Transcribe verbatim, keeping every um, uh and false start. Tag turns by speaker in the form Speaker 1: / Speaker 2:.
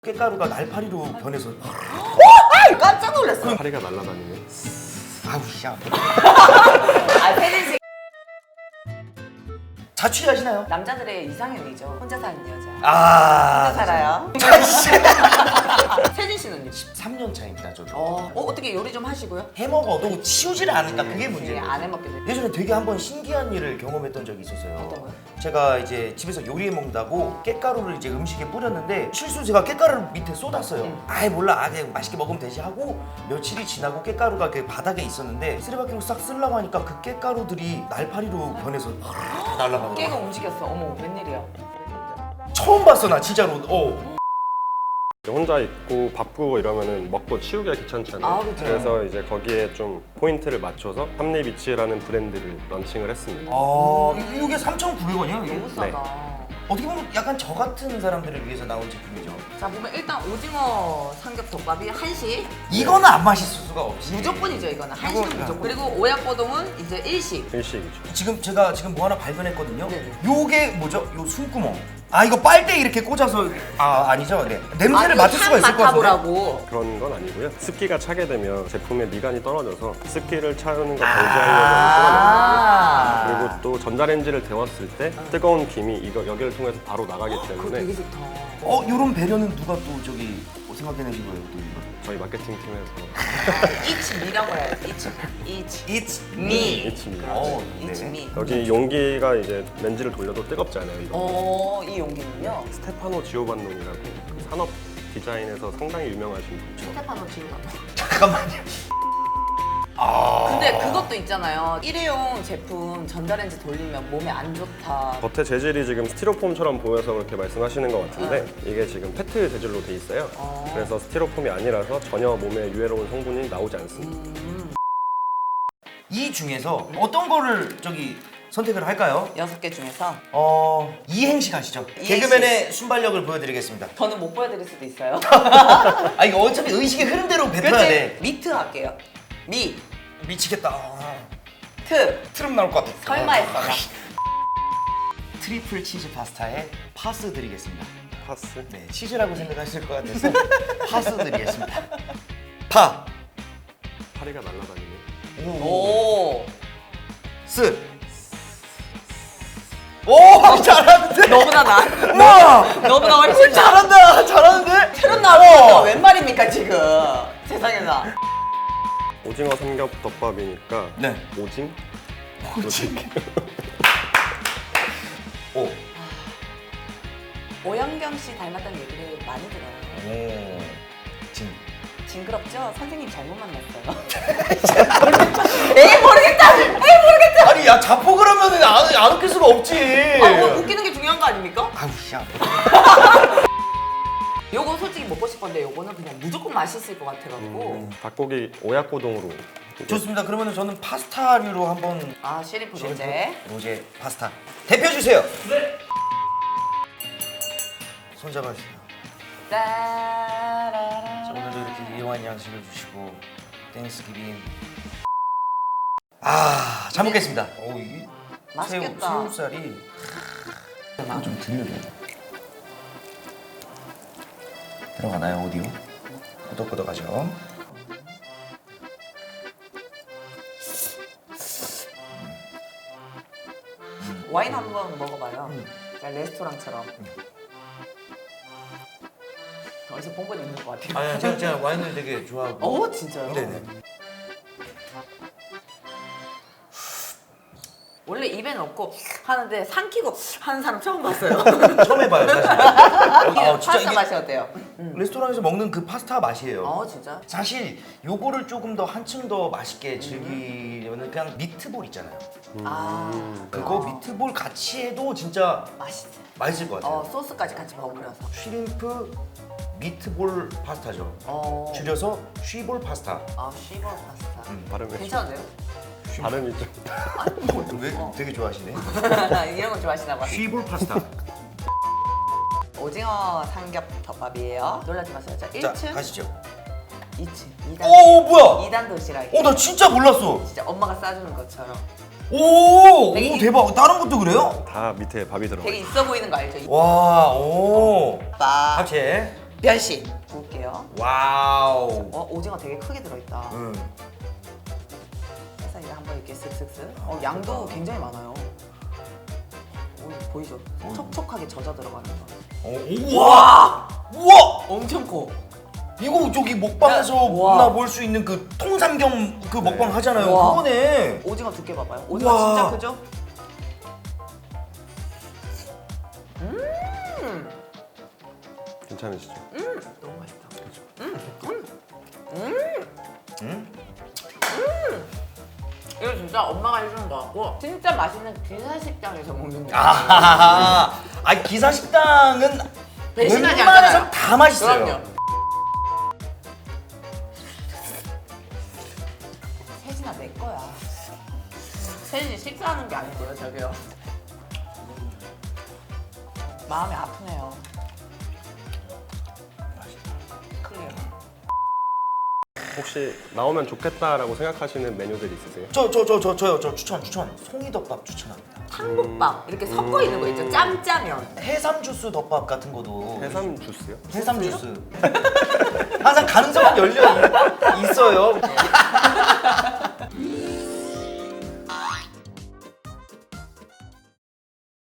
Speaker 1: 깻가루가 날파리로 변해서
Speaker 2: 아, 깜짝 놀랐어.
Speaker 3: 파리가 날아다니네.
Speaker 1: 아우 씨.
Speaker 2: 아, 세진씨
Speaker 1: 자취하시나요?
Speaker 2: 남자들의 이상형이죠. 혼자 사는 여자.
Speaker 1: 아
Speaker 2: 혼자 살아요.
Speaker 1: 자취.
Speaker 2: 세진 씨는요?
Speaker 1: 십삼 년 차입니다 저도.
Speaker 2: 어, 어 어떻게 요리 좀 하시고요?
Speaker 1: 해먹어도 치우지를 않으니까 그게 문제예요.
Speaker 2: 안 해먹게 돼.
Speaker 1: 예전에 되게 한번 신기한 일을 경험했던 적이 있었어요.
Speaker 2: 어떤 거요?
Speaker 1: 제가 이제 집에서 요리해 먹는다고 깻가루를 이제 음식에 뿌렸는데 실수 제가 깻가루를 밑에 쏟았어요.
Speaker 2: 응.
Speaker 1: 아이 몰라, 아 그냥 맛있게 먹으면 되지 하고 며칠이 지나고 깻가루가 그 바닥에 있었는데 쓰레받기로 싹 쓰려고 하니까 그 깻가루들이 날파리로 변해서 날아가더라고요.
Speaker 2: 깨가 움직였어. 어머, 웬일이야.
Speaker 1: 처음 봤어 나 진짜로. 어.
Speaker 3: 혼자 있고 바쁘고 이러면은 먹고 치우기가 귀찮잖아요.
Speaker 2: 아, 그쵸.
Speaker 3: 그래서 이제 거기에 좀 포인트를 맞춰서 삼리비치라는 브랜드를 런칭을 했습니다.
Speaker 1: 아 이게 삼천구백 원이요?
Speaker 2: 너무 싸다.
Speaker 1: 어떻게 보면 약간 저 같은 사람들을 위해서 나온 제품이죠.
Speaker 2: 자, 보면 일단 오징어 삼겹덮밥이 한식.
Speaker 1: 이거는 안 맛있을 수가 없지.
Speaker 2: 무조건이죠, 이거는. 한식은
Speaker 1: 이거-
Speaker 2: 무조건. 그리고 오약고동은 이제 일식.
Speaker 3: 일식이죠.
Speaker 1: 지금 제가 지금 뭐 하나 발견했거든요.
Speaker 2: 네네.
Speaker 1: 요게 뭐죠? 요 숨구멍. 아 이거 빨대 이렇게 꽂아서 아 아니죠? 네. 냄새를 맡을 수가 있을 것 같은데.
Speaker 2: 맡아보라고.
Speaker 3: 그런 건 아니고요. 습기가 차게 되면 제품에 미간이 떨어져서 습기를 차는 거 방지하려고
Speaker 2: 아.
Speaker 3: 하는 그리고 또 전자레인지를 데웠을 때 뜨거운 김이 이거 여기를 통해서 바로 나가기
Speaker 2: 그거
Speaker 3: 때문에
Speaker 2: 되게 좋다.
Speaker 1: 어 요런 배려는 누가 또 저기 생각해내신 거예요? 또 이거.
Speaker 3: 저희 마케팅 팀에서
Speaker 2: It's me라고 해야지. It's, it's
Speaker 1: It's
Speaker 2: me.
Speaker 3: It's me.
Speaker 1: 어,
Speaker 2: It's
Speaker 1: 네.
Speaker 2: me.
Speaker 3: 여기 용기가 이제 렌즈를 돌려도 뜨겁지 않아요. 이거.
Speaker 2: 어, 이 용기는요?
Speaker 3: 스테파노 지오반노니라고 그 산업 디자인에서 상당히 유명하신 분이죠.
Speaker 2: 스테파노 지우가.
Speaker 1: 잠깐만요. 아.
Speaker 2: 근데 그것도 있잖아요. 일회용 제품 전자레인지 돌리면 몸에 안 좋다.
Speaker 3: 겉에 재질이 지금 스티로폼처럼 보여서 그렇게 말씀하시는 것 같은데 이게 지금 페트 재질로 돼 있어요.
Speaker 2: 어.
Speaker 3: 그래서 스티로폼이 아니라서 전혀 몸에 유해로운 성분이 나오지 않습니다.
Speaker 2: 음,
Speaker 1: 이 중에서 어떤 거를 저기 선택을 할까요?
Speaker 2: 여섯 개 중에서
Speaker 1: 어 이행시 가시죠.
Speaker 2: 이행시.
Speaker 1: 개그맨의 순발력을 보여드리겠습니다.
Speaker 2: 저는 못 보여드릴 수도 있어요.
Speaker 1: 아 이거 어차피 의식의 흐름대로 뱉어야
Speaker 2: 그렇지?
Speaker 1: 돼.
Speaker 2: 미트 할게요. 미,
Speaker 1: 미치겠다. 아,
Speaker 2: 트.
Speaker 1: 트름 나올 것 같아.
Speaker 2: 설마 했어, 나.
Speaker 1: 트리플 치즈 파스타에 파스 드리겠습니다.
Speaker 3: 파스.
Speaker 1: 네, 치즈라고 생각하실 것 같아서 파스 드리겠습니다. 파,
Speaker 3: 파리가 날아다니네.
Speaker 2: 오.
Speaker 1: 스. 오, 잘하는데?
Speaker 2: 너보다 나.
Speaker 1: 우와,
Speaker 2: 너보다 훨씬 나.
Speaker 1: 잘한다, 잘하는데?
Speaker 2: 트롯 나오는 웬 말입니까, 지금? 세상에나.
Speaker 3: 오징어 삼겹덮밥이니까
Speaker 1: 네.
Speaker 3: 오징?
Speaker 1: 오징. 오.
Speaker 2: 오영경 씨 닮았다는 얘기를 많이 들어요.
Speaker 1: 오. 진.
Speaker 2: 징그럽죠? 선생님 잘못 만났어요. 에이 모르겠다. 에이 모르겠다.
Speaker 1: 아니, 야, 자폭을 하면은 안, 안 웃길 수가 없지.
Speaker 2: 아, 뭐 웃기는 게 중요한 거 아닙니까?
Speaker 1: 아우, 씨.
Speaker 2: 요거 솔직히 먹고 싶었는데 요거는 그냥 무조건 맛있을 것 같아가지고.
Speaker 3: 음, 닭고기 오약고동으로.
Speaker 1: 좋습니다. 그러면 저는 파스타류로 한번
Speaker 2: 아 시리프 로제.
Speaker 1: 로제 파스타 대표 주세요. 네. 손 잡아주세요. 자, 오늘도 이렇게 이용한 양식을 주시고 땡스기빙. 아, 잘 먹겠습니다. 오, 이
Speaker 2: 맛있겠다.
Speaker 1: 새우, 새우살이 아, 좀 들려줘요. 들어가나요 오디오? 끄덕끄덕하죠.
Speaker 2: 와인 한번 먹어봐요.
Speaker 1: 음.
Speaker 2: 자, 레스토랑처럼. 어디서 본 건 있는 것 같아요.
Speaker 1: 아니, 제가, 제가 와인을 되게 좋아하고.
Speaker 2: 어 진짜요?
Speaker 1: 네네.
Speaker 2: 원래 입에 넣고 하는데 삼키고 하는 사람 처음 봤어요.
Speaker 1: 처음 해봐요 사실. 아, 진짜
Speaker 2: 파스타
Speaker 1: 이게
Speaker 2: 맛이 어때요? 음.
Speaker 1: 레스토랑에서 먹는 그 파스타 맛이에요.
Speaker 2: 어 진짜?
Speaker 1: 사실 요거를 조금 더 한층 더 맛있게 즐기려면 그냥 미트볼 있잖아요.
Speaker 2: 아
Speaker 1: 그거 미트볼 같이 해도 진짜
Speaker 2: 맛있어.
Speaker 1: 맛있을 것 같아요.
Speaker 2: 어 소스까지 같이 버무려서.
Speaker 1: 쉬림프 미트볼 파스타죠.
Speaker 2: 어.
Speaker 1: 줄여서 쉬볼 파스타.
Speaker 2: 아 쉬버 파스타.
Speaker 1: 음,
Speaker 3: 발음이
Speaker 2: 괜찮은데요?
Speaker 3: 발음이 좀.
Speaker 1: 왜 되게 좋아하시네.
Speaker 2: 이런 거 좋아하시나 봐.
Speaker 1: 쉬볼 파스타.
Speaker 2: 오징어 삼겹덮밥이에요. 놀라지 마세요. 자, 일
Speaker 1: 자,
Speaker 2: 층,
Speaker 1: 가시죠.
Speaker 2: 이 층, 이 단.
Speaker 1: 오, 뭐야?
Speaker 2: 이 단 도시락.
Speaker 1: 어, 나 진짜 몰랐어.
Speaker 2: 진짜 엄마가 싸주는 것처럼.
Speaker 1: 오, 오
Speaker 2: 되게
Speaker 1: 대박. 다른 것도 그래요?
Speaker 3: 다 밑에 밥이 들어가
Speaker 2: 되게
Speaker 3: 있어요.
Speaker 2: 있어 보이는 거 알죠?
Speaker 1: 와, 오.
Speaker 2: 밥.
Speaker 1: 합체.
Speaker 2: 변신 볼게요.
Speaker 1: 와우.
Speaker 2: 어 오징어 되게 크게 들어있다.
Speaker 1: 응.
Speaker 2: 그래서 이제 한번 이렇게 슥슥슥. 어 양도 굉장히 많아요. 오, 보이죠? 촉촉하게 젖어 들어가는 거.
Speaker 1: 어, 우와. 우와.
Speaker 2: 엄청 커.
Speaker 1: 이거 저기 먹방에서
Speaker 2: 와.
Speaker 1: 나 볼 수 있는 그 통삼겹 그 먹방 하잖아요.
Speaker 2: 와.
Speaker 1: 그거네.
Speaker 2: 오징어 두께 봐봐요. 오징어
Speaker 1: 우와.
Speaker 2: 진짜 크죠? 음,
Speaker 3: 괜찮으시죠?
Speaker 2: 음, 너무 맛있다.
Speaker 1: 응?
Speaker 2: 이거 진짜 엄마가 해주는 거 같고 진짜 맛있는 기사식당에서 먹는 거.
Speaker 1: 아, 아 기사 식당은
Speaker 2: 배신하지
Speaker 1: 웬만해서
Speaker 2: 않잖아요.
Speaker 1: 다 맛있어요.
Speaker 2: 그럼요. 세진아 내 거야. 세진이 식사하는 게 아니고요, 저기요. 마음이 아프네요. 클리어.
Speaker 3: 혹시 나오면 좋겠다라고 생각하시는 메뉴들 있으세요?
Speaker 1: 저 저 저 저 저요 저 추천 추천 송이덮밥 추천합니다.
Speaker 2: 탕국밥 이렇게 섞어 있는 거 있죠, 짬짜면.
Speaker 1: 해삼 주스 덮밥 같은 것도
Speaker 3: 해삼 주스요?
Speaker 1: 해삼 주스 항상 가능성은 열려 있- 있어요.